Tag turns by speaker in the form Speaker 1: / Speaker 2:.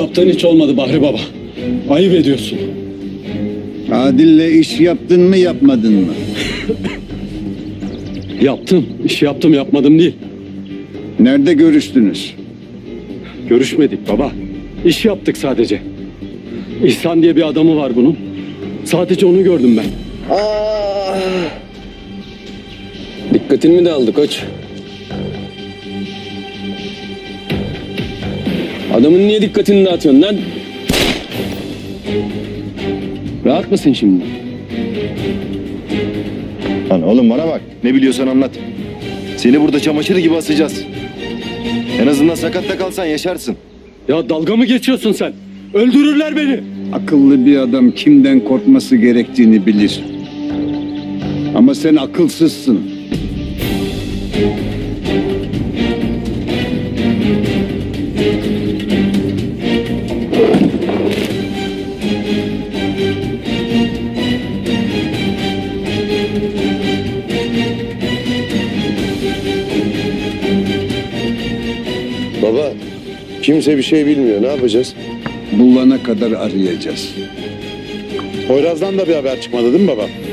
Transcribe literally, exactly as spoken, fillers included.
Speaker 1: yaptığın hiç olmadı Bahri Baba. Ayıp ediyorsun.
Speaker 2: Adil'le iş yaptın mı yapmadın mı?
Speaker 1: Yaptım. İş yaptım yapmadım değil.
Speaker 2: Nerede görüştünüz?
Speaker 1: Görüşmedik baba. İş yaptık sadece. İhsan diye bir adamı var bunun. Sadece onu gördüm ben.
Speaker 3: Aa! Dikkatin mi dağıldı koç? Adamın niye dikkatini dağıtıyorsun lan? Rahat mısın şimdi?
Speaker 4: Lan oğlum bana bak. Ne biliyorsan anlat. Seni burada çamaşır gibi asacağız. En azından sakatta kalsan yaşarsın.
Speaker 1: Ya dalga mı geçiyorsun sen? Öldürürler beni.
Speaker 2: Akıllı bir adam kimden korkması gerektiğini bilir. Ama sen akılsızsın.
Speaker 4: Baba, kimse bir şey bilmiyor. Ne yapacağız?
Speaker 2: Bulana kadar arayacağız.
Speaker 5: Poyraz'dan da bir haber çıkmadı değil mi baba?